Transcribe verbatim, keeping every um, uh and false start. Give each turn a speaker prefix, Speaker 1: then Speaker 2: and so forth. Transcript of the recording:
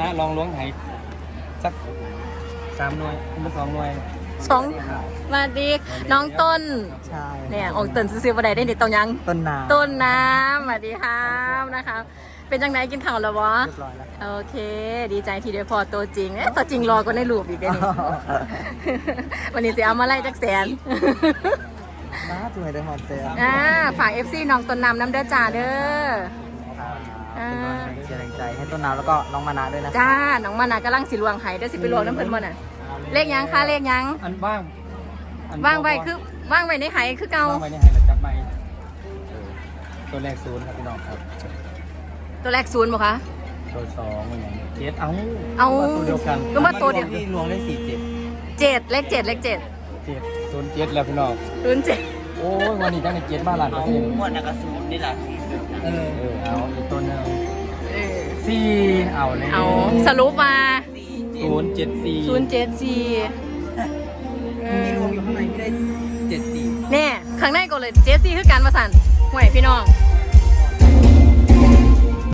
Speaker 1: ลองล้วงไหสักสามหน่วยเป็นสองหน่วย
Speaker 2: สองมาดีน้องต้น
Speaker 3: ใช่
Speaker 2: เนี่ยองค์ต้นซื้อมาได้ได้เด็ดตรงยัง
Speaker 3: ต้นน้ำ
Speaker 2: ต้นน้ำสวัสดีครับนะคะ เป็นจังไหนกินข้าวแล้ววะ
Speaker 3: เรียบร้อยแล้ว
Speaker 2: โอเค ดีใจที่ได้พอตัวจริงเอ๊ะตัวจริงรอก็ในรูปอีกได้นี่ วันนี้จะเอามาไล่จักแสน
Speaker 3: น้าจุ๋ยได้หอมเซล
Speaker 2: อ่าฝาก เอฟ ซี น้องต้นน้ำน้ำเด้อจ่าเด้อ
Speaker 3: เป็นกำลังใจแรงใจให้ต้นน้ำแล้วก็น้องมานะด้วยนะ
Speaker 2: จ้า น้องมานากำลังสิลวงไห้เด้อสิไปลวงน้ำเพิ่นบ่น่ะ เลขยังคะเลขยัง
Speaker 1: อันว่างอัน
Speaker 2: ว่างไว้คือว่างไว้ในไห้คือเก่า
Speaker 1: ว่างไว้ในไห้แล้วจับไม้ตัวแรกศูนย์ครับพี่น้องครับ
Speaker 2: ตัวแรกศูนย์บ่คะ
Speaker 1: ตัวสองมันอย่างเจ็ดเอา
Speaker 2: เอา
Speaker 1: ตัวเดียวกัน
Speaker 2: ก็มาตัวเดียว
Speaker 3: ที่รวมได้สี่เจ็ด
Speaker 2: เจ็ดเลขเจ็ดเลขเจ็ด
Speaker 1: เจ็ดศูนย์เจ็ดแล้วพี่น้อง
Speaker 2: ศูนย์เจ็ด
Speaker 1: โอ้ยวันนี้จังในเจ็ดบ้านหลานเปอร์เซ็นต์
Speaker 3: หมดนักสูตรนี่แหละ
Speaker 1: เออเออเอาอีกตัวหนึง
Speaker 2: เออ
Speaker 1: สี่เอาเลย
Speaker 2: เอาสรุปมา
Speaker 1: ศูนย์เจ็ดสี่
Speaker 2: ศูนย์เจ็ดสี่เอ
Speaker 3: มี
Speaker 2: อ
Speaker 3: รวมอยู่ข้างในที่ได้เจ็ดสี่
Speaker 2: แน่ข้างในก็เลยเจสซี่คือการมาสั่นห่วยพี่น้อง